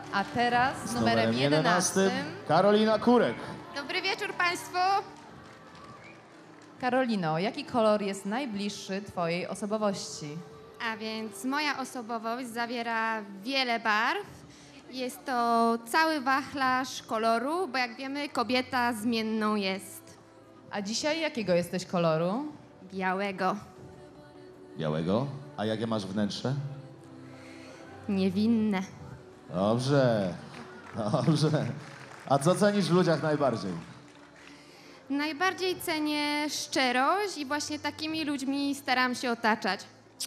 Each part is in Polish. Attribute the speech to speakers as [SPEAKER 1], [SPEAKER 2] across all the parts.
[SPEAKER 1] A teraz z numerem 11
[SPEAKER 2] Karolina Kurek.
[SPEAKER 3] Dobry wieczór Państwu.
[SPEAKER 1] Karolino, jaki kolor jest najbliższy Twojej osobowości?
[SPEAKER 3] A więc moja osobowość zawiera wiele barw. Jest to cały wachlarz koloru, bo jak wiemy, kobieta zmienną jest.
[SPEAKER 1] A dzisiaj jakiego jesteś koloru?
[SPEAKER 3] Białego.
[SPEAKER 2] Białego. A jakie masz wnętrze?
[SPEAKER 3] Niewinne.
[SPEAKER 2] Dobrze. Dobrze. A co cenisz w ludziach najbardziej?
[SPEAKER 3] Najbardziej cenię szczerość i właśnie takimi ludźmi staram się otaczać.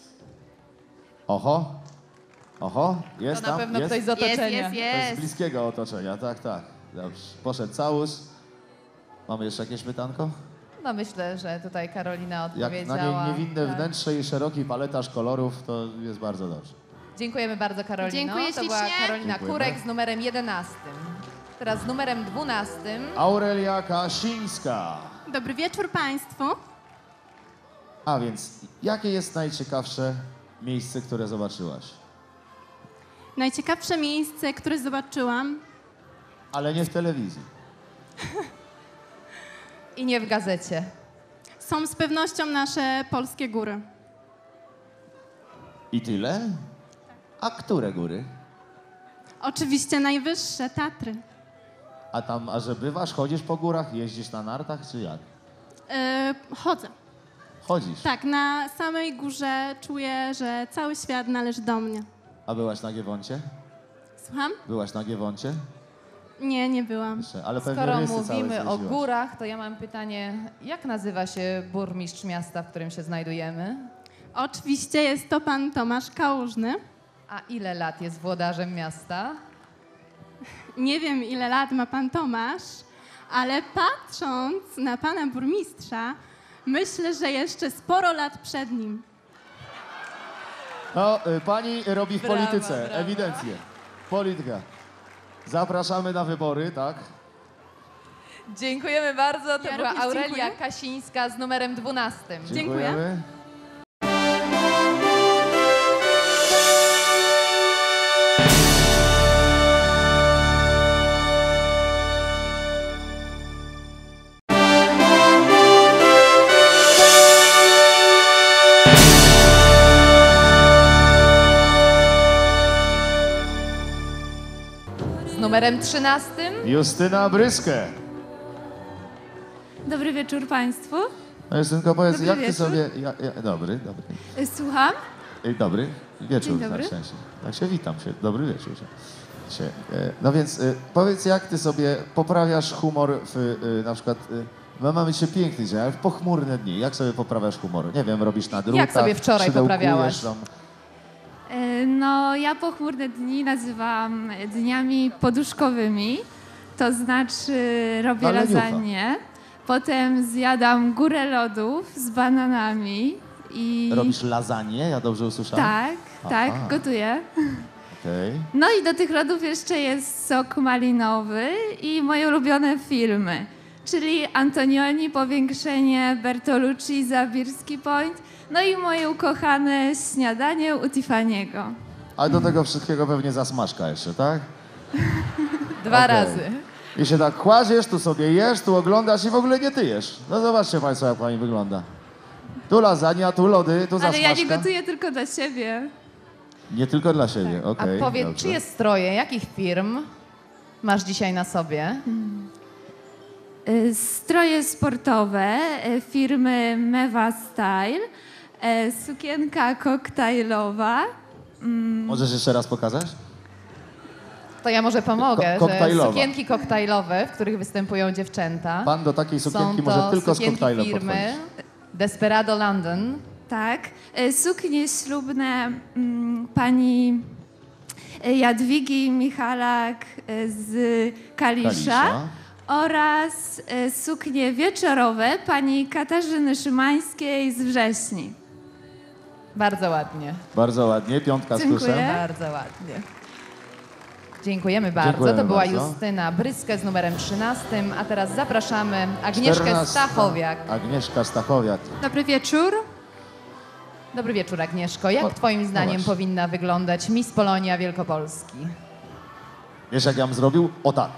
[SPEAKER 2] Oho. Oho. Jest
[SPEAKER 1] To na
[SPEAKER 2] tam?
[SPEAKER 1] pewno
[SPEAKER 2] jest?
[SPEAKER 1] ktoś z otoczenia.
[SPEAKER 2] To jest z
[SPEAKER 3] Jest.
[SPEAKER 2] bliskiego otoczenia, tak, tak. Dobrze. Poszedł całus. Mamy jeszcze jakieś pytanko?
[SPEAKER 1] No myślę, że tutaj Karolina
[SPEAKER 2] Jak
[SPEAKER 1] odpowiedziała.
[SPEAKER 2] na niej niewinne
[SPEAKER 1] Tak.
[SPEAKER 2] wnętrze i szeroki paletarz kolorów, to jest bardzo dobrze.
[SPEAKER 1] Dziękujemy bardzo, Karolino.
[SPEAKER 3] Dziękuję
[SPEAKER 1] To była
[SPEAKER 3] ślicznie.
[SPEAKER 1] Karolina
[SPEAKER 2] Dziękujemy.
[SPEAKER 1] Kurek z numerem 11. Teraz z numerem 12.
[SPEAKER 2] Aurelia Kasińska.
[SPEAKER 4] Dobry wieczór Państwu.
[SPEAKER 2] A więc, jakie jest najciekawsze miejsce, które zobaczyłaś?
[SPEAKER 4] Najciekawsze miejsce, które zobaczyłam,
[SPEAKER 2] Ale nie w telewizji.
[SPEAKER 1] I nie w gazecie.
[SPEAKER 4] są z pewnością nasze polskie góry.
[SPEAKER 2] I tyle? A które góry?
[SPEAKER 4] Oczywiście najwyższe, Tatry.
[SPEAKER 2] A tam, a że bywasz, chodzisz po górach, jeździsz na nartach, czy jak?
[SPEAKER 4] Chodzę.
[SPEAKER 2] Chodzisz.
[SPEAKER 4] Tak, na samej górze czuję, że cały świat należy do mnie.
[SPEAKER 2] A byłaś na Giewoncie?
[SPEAKER 4] Słucham?
[SPEAKER 2] Byłaś na Giewoncie?
[SPEAKER 4] Nie, nie byłam.
[SPEAKER 2] Jeszcze, ale pewnie
[SPEAKER 1] Skoro
[SPEAKER 2] rysy całe
[SPEAKER 1] mówimy o
[SPEAKER 2] zjeździłaś.
[SPEAKER 1] górach, to ja mam pytanie, jak nazywa się burmistrz miasta, w którym się znajdujemy?
[SPEAKER 4] Oczywiście jest to pan Tomasz Kałużny.
[SPEAKER 1] A ile lat jest włodarzem miasta?
[SPEAKER 4] Nie wiem, ile lat ma pan Tomasz, ale patrząc na pana burmistrza, myślę, że jeszcze sporo lat przed nim.
[SPEAKER 2] No, pani robi w
[SPEAKER 1] Brawa,
[SPEAKER 2] polityce,
[SPEAKER 1] brawa.
[SPEAKER 2] ewidentnie. Polityka. Zapraszamy na wybory, tak?
[SPEAKER 1] Dziękujemy bardzo. To
[SPEAKER 4] Ja
[SPEAKER 1] była
[SPEAKER 4] również
[SPEAKER 1] Aurelia
[SPEAKER 4] dziękuję.
[SPEAKER 1] Kasińska z numerem 12.
[SPEAKER 4] Dziękuję.
[SPEAKER 1] Z numerem 13.
[SPEAKER 2] Justyna Bryskę.
[SPEAKER 5] Dobry wieczór Państwu.
[SPEAKER 2] No Justynko, powiedz,
[SPEAKER 5] Dobry
[SPEAKER 2] jak ty
[SPEAKER 5] wieczór.
[SPEAKER 2] sobie... dobry, dobry.
[SPEAKER 5] Słucham?
[SPEAKER 2] Dobry wieczór,
[SPEAKER 5] Dzień dobry.
[SPEAKER 2] tak się, tak się witam się. Dobry wieczór. No więc powiedz, jak ty sobie poprawiasz humor w na przykład... My mamy dzisiaj piękny dzień, ale w pochmurne dni. Jak sobie poprawiasz humor? Nie wiem, robisz na drutach,
[SPEAKER 1] Jak sobie wczoraj
[SPEAKER 2] szydełkujesz
[SPEAKER 1] poprawiałaś?
[SPEAKER 2] tam.
[SPEAKER 5] No, ja pochmurne dni nazywam dniami poduszkowymi. To znaczy robię
[SPEAKER 2] Ale niucha.
[SPEAKER 5] lasagne, potem zjadam górę lodów z bananami i...
[SPEAKER 2] Robisz lasagne, ja dobrze usłyszałem?
[SPEAKER 5] Tak, tak,
[SPEAKER 2] Aha.
[SPEAKER 5] gotuję.
[SPEAKER 2] Okej.
[SPEAKER 5] No i do tych lodów jeszcze jest sok malinowy i moje ulubione filmy, czyli Antonioni, Powiększenie, Bertolucci, Zabirski Point, no i moje ukochane śniadanie u Tiffany'ego.
[SPEAKER 2] A do tego wszystkiego pewnie zasmażka jeszcze, tak?
[SPEAKER 1] Dwa
[SPEAKER 2] Okej.
[SPEAKER 1] razy.
[SPEAKER 2] I się tak kładziesz, tu sobie jesz, tu oglądasz i w ogóle nie tyjesz. No zobaczcie Państwo, jak Pani wygląda. Tu lasagna, tu lody, tu
[SPEAKER 5] Ale
[SPEAKER 2] zasmażka.
[SPEAKER 5] ja nie gotuję tylko dla siebie.
[SPEAKER 2] Nie tylko dla siebie,
[SPEAKER 1] A
[SPEAKER 2] okej.
[SPEAKER 1] powiedz,
[SPEAKER 2] dobrze.
[SPEAKER 1] czyje stroje, jakich firm masz dzisiaj na sobie?
[SPEAKER 5] Stroje sportowe firmy Meva Style, sukienka koktajlowa.
[SPEAKER 2] Możesz jeszcze raz pokazać?
[SPEAKER 1] To ja może pomogę, że
[SPEAKER 2] koktajlowa.
[SPEAKER 1] sukienki koktajlowe, w których występują dziewczęta,
[SPEAKER 2] Pan do takiej sukienki
[SPEAKER 1] są
[SPEAKER 2] może
[SPEAKER 1] to
[SPEAKER 2] tylko z
[SPEAKER 1] sukienki
[SPEAKER 2] koktajlem
[SPEAKER 1] firmy
[SPEAKER 2] podchodzić.
[SPEAKER 1] Desperado London.
[SPEAKER 5] Tak. Suknie ślubne pani Jadwigi Michalak z Kalisza. Oraz suknie wieczorowe pani Katarzyny Szymańskiej z Wrześni.
[SPEAKER 1] Bardzo ładnie.
[SPEAKER 2] Bardzo ładnie, piątka z
[SPEAKER 5] Dziękuję.
[SPEAKER 2] plusem.
[SPEAKER 1] Bardzo ładnie. Dziękujemy bardzo.
[SPEAKER 2] Dziękujemy
[SPEAKER 1] To była
[SPEAKER 2] bardzo.
[SPEAKER 1] Justyna Bryskę z numerem 13, a teraz zapraszamy Agnieszkę
[SPEAKER 2] 14.
[SPEAKER 1] Stachowiak.
[SPEAKER 2] Agnieszka Stachowiak.
[SPEAKER 4] Dobry wieczór.
[SPEAKER 1] Dobry wieczór, Agnieszko. Jak
[SPEAKER 2] O,
[SPEAKER 1] twoim
[SPEAKER 2] no
[SPEAKER 1] zdaniem
[SPEAKER 2] właśnie.
[SPEAKER 1] powinna wyglądać Miss Polonia Wielkopolski?
[SPEAKER 2] Wiesz, jak ja bym zrobił? O tak.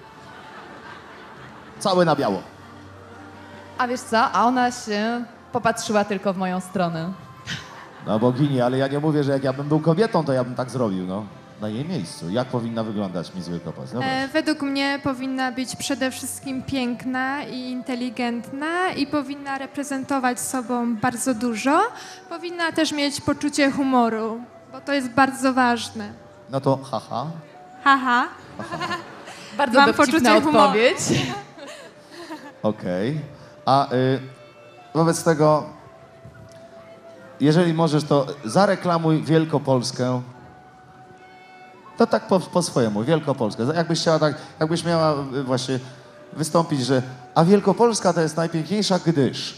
[SPEAKER 2] Całe na biało.
[SPEAKER 1] A wiesz co? A ona się popatrzyła tylko w moją stronę.
[SPEAKER 2] No bogini, ale ja nie mówię, że jak ja bym był kobietą, to ja bym tak zrobił, no. Na jej miejscu. Jak powinna wyglądać Miss Wielkopolska? No właśnie.
[SPEAKER 6] Według mnie powinna być przede wszystkim piękna i inteligentna i powinna reprezentować sobą bardzo dużo. Powinna też mieć poczucie humoru, bo to jest bardzo ważne.
[SPEAKER 2] No to haha.
[SPEAKER 6] Haha.
[SPEAKER 1] Bardzo
[SPEAKER 6] Mam
[SPEAKER 1] dowcipna
[SPEAKER 6] poczucie humoru.
[SPEAKER 1] odpowiedź.
[SPEAKER 2] Okej. A wobec tego, jeżeli możesz, to zareklamuj Wielkopolskę. To tak po swojemu, Wielkopolskę. Jakbyś chciała tak, jakbyś miała właśnie wystąpić, że a Wielkopolska to jest najpiękniejsza, gdyż.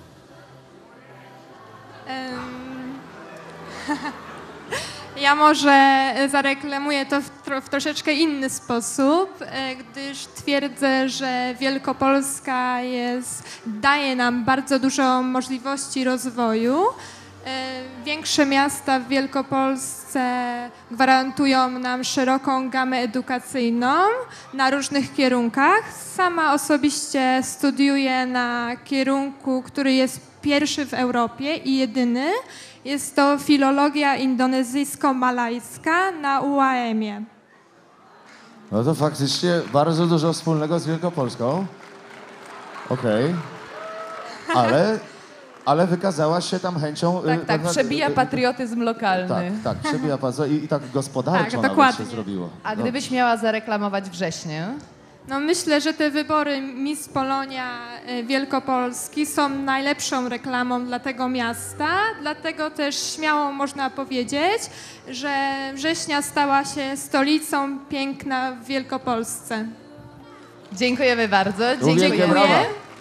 [SPEAKER 6] Ja może zareklamuję to w troszeczkę inny sposób, gdyż twierdzę, że Wielkopolska daje nam bardzo dużo możliwości rozwoju. Większe miasta w Wielkopolsce gwarantują nam szeroką gamę edukacyjną na różnych kierunkach. Sama osobiście studiuję na kierunku, który jest pierwszy w Europie i jedyny. Jest to filologia indonezyjsko-malajska na UAM-ie.
[SPEAKER 2] No to faktycznie bardzo dużo wspólnego z Wielkopolską. Okej. Ale wykazałaś się tam chęcią...
[SPEAKER 1] Tak, przebija patriotyzm lokalny.
[SPEAKER 2] Tak, przebija patriotyzm i tak gospodarczo
[SPEAKER 6] Tak,
[SPEAKER 2] nawet
[SPEAKER 6] dokładnie.
[SPEAKER 2] się zrobiło.
[SPEAKER 1] A
[SPEAKER 2] No.
[SPEAKER 1] gdybyś miała zareklamować wrześnie?
[SPEAKER 6] No myślę, że te wybory Miss Polonia Wielkopolski są najlepszą reklamą dla tego miasta, dlatego też śmiało można powiedzieć, że września stała się stolicą piękna w Wielkopolsce.
[SPEAKER 1] Dziękujemy bardzo.
[SPEAKER 2] Wielkie
[SPEAKER 1] Dziękuję.
[SPEAKER 2] brawa.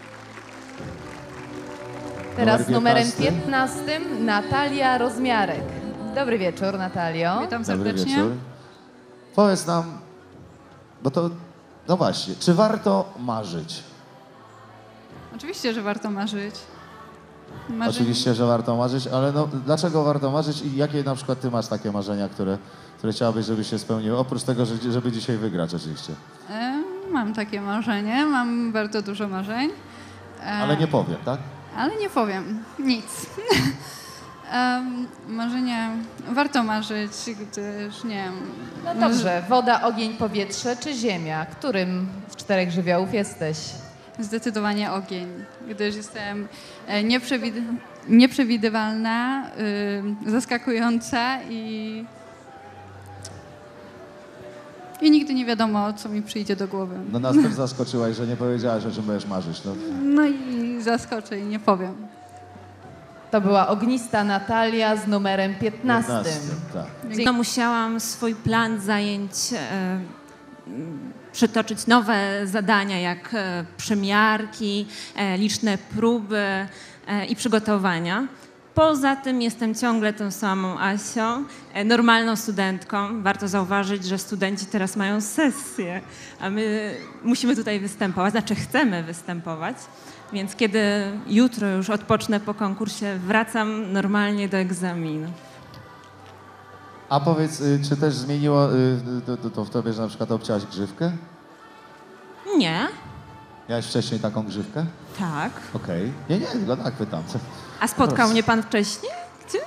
[SPEAKER 1] Teraz
[SPEAKER 2] Numer
[SPEAKER 1] numerem
[SPEAKER 2] 15.
[SPEAKER 1] 15 Natalia Rozmiarek. Dobry wieczór, Natalio.
[SPEAKER 7] Witam
[SPEAKER 2] Dobry
[SPEAKER 7] serdecznie.
[SPEAKER 2] wieczór. Powiedz nam, bo to, no właśnie, czy warto marzyć?
[SPEAKER 7] Oczywiście, że warto marzyć.
[SPEAKER 2] Oczywiście, że warto marzyć, ale no, dlaczego warto marzyć i jakie na przykład ty masz takie marzenia, które chciałabyś, żeby się spełniły? Oprócz tego, żeby dzisiaj wygrać oczywiście.
[SPEAKER 7] Mam takie marzenie, mam bardzo dużo marzeń.
[SPEAKER 2] Ale nie powiem, tak?
[SPEAKER 7] Ale nie powiem nic. Marzenia, warto marzyć, gdyż nie wiem.
[SPEAKER 1] No dobrze, woda, ogień, powietrze czy ziemia? Którym z czterech żywiołów jesteś?
[SPEAKER 7] Zdecydowanie ogień, gdyż jestem nieprzewidywalna, zaskakująca i nigdy nie wiadomo, co mi przyjdzie do głowy.
[SPEAKER 2] No nas też zaskoczyłaś, że nie powiedziałaś, o czym będziesz marzyć. No.
[SPEAKER 7] No i zaskoczę i nie powiem.
[SPEAKER 1] To była ognista Natalia z numerem 15.
[SPEAKER 2] 15, tak.
[SPEAKER 8] No, musiałam swój plan zajęć przytoczyć nowe zadania, jak przymiarki, liczne próby i przygotowania. Poza tym jestem ciągle tą samą Asią, normalną studentką. Warto zauważyć, że studenci teraz mają sesję, a my musimy tutaj występować, znaczy chcemy występować. Więc kiedy jutro już odpocznę po konkursie, wracam normalnie do egzaminu.
[SPEAKER 2] A powiedz, czy też zmieniło to w tobie, że na przykład obcięłaś grzywkę?
[SPEAKER 8] Nie,
[SPEAKER 2] Miałeś wcześniej taką grzywkę?
[SPEAKER 8] tak.
[SPEAKER 2] Okej. Nie, tylko tak pytam.
[SPEAKER 8] A spotkał mnie pan wcześniej gdzieś?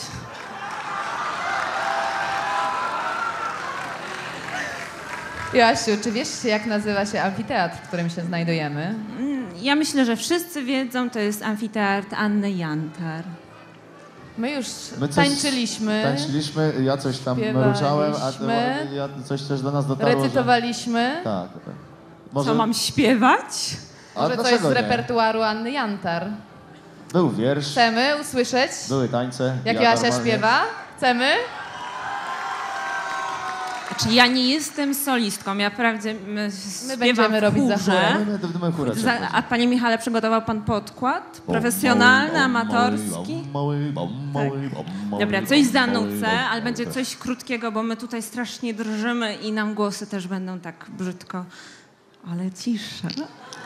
[SPEAKER 1] Joasiu, czy wiesz, jak nazywa się amfiteatr, w którym się znajdujemy?
[SPEAKER 8] Ja myślę, że wszyscy wiedzą, to jest amfiteatr Anny Jantar.
[SPEAKER 1] My już
[SPEAKER 2] My coś
[SPEAKER 1] tańczyliśmy,
[SPEAKER 2] Tańczyliśmy, ja coś tam
[SPEAKER 1] Śpiewaliśmy.
[SPEAKER 2] ruszałem, a ja coś też do nas dotarło.
[SPEAKER 1] recytowaliśmy.
[SPEAKER 2] Że... Tak.
[SPEAKER 8] Co mam śpiewać?
[SPEAKER 2] A
[SPEAKER 1] Może coś
[SPEAKER 2] dlaczego
[SPEAKER 1] z
[SPEAKER 2] nie?
[SPEAKER 1] repertuaru Anny Jantar.
[SPEAKER 2] Był wiersz,
[SPEAKER 1] Chcemy usłyszeć,
[SPEAKER 2] były tańce.
[SPEAKER 1] jak
[SPEAKER 2] ja
[SPEAKER 1] Joasia
[SPEAKER 2] normalnie-
[SPEAKER 1] śpiewa? Chcemy?
[SPEAKER 8] Znaczy, ja nie jestem solistką, ja wprawdzie
[SPEAKER 1] My
[SPEAKER 8] śpiewam
[SPEAKER 1] będziemy
[SPEAKER 8] w
[SPEAKER 1] robić za
[SPEAKER 8] chórze.
[SPEAKER 1] chórem.
[SPEAKER 2] My chórę
[SPEAKER 8] A panie Michale, przygotował pan podkład? Profesjonalny, amatorski? Dobra, coś zanucę, ale będzie coś krótkiego, bo my tutaj strasznie drżymy i nam głosy też będą tak brzydko. Ale cisza.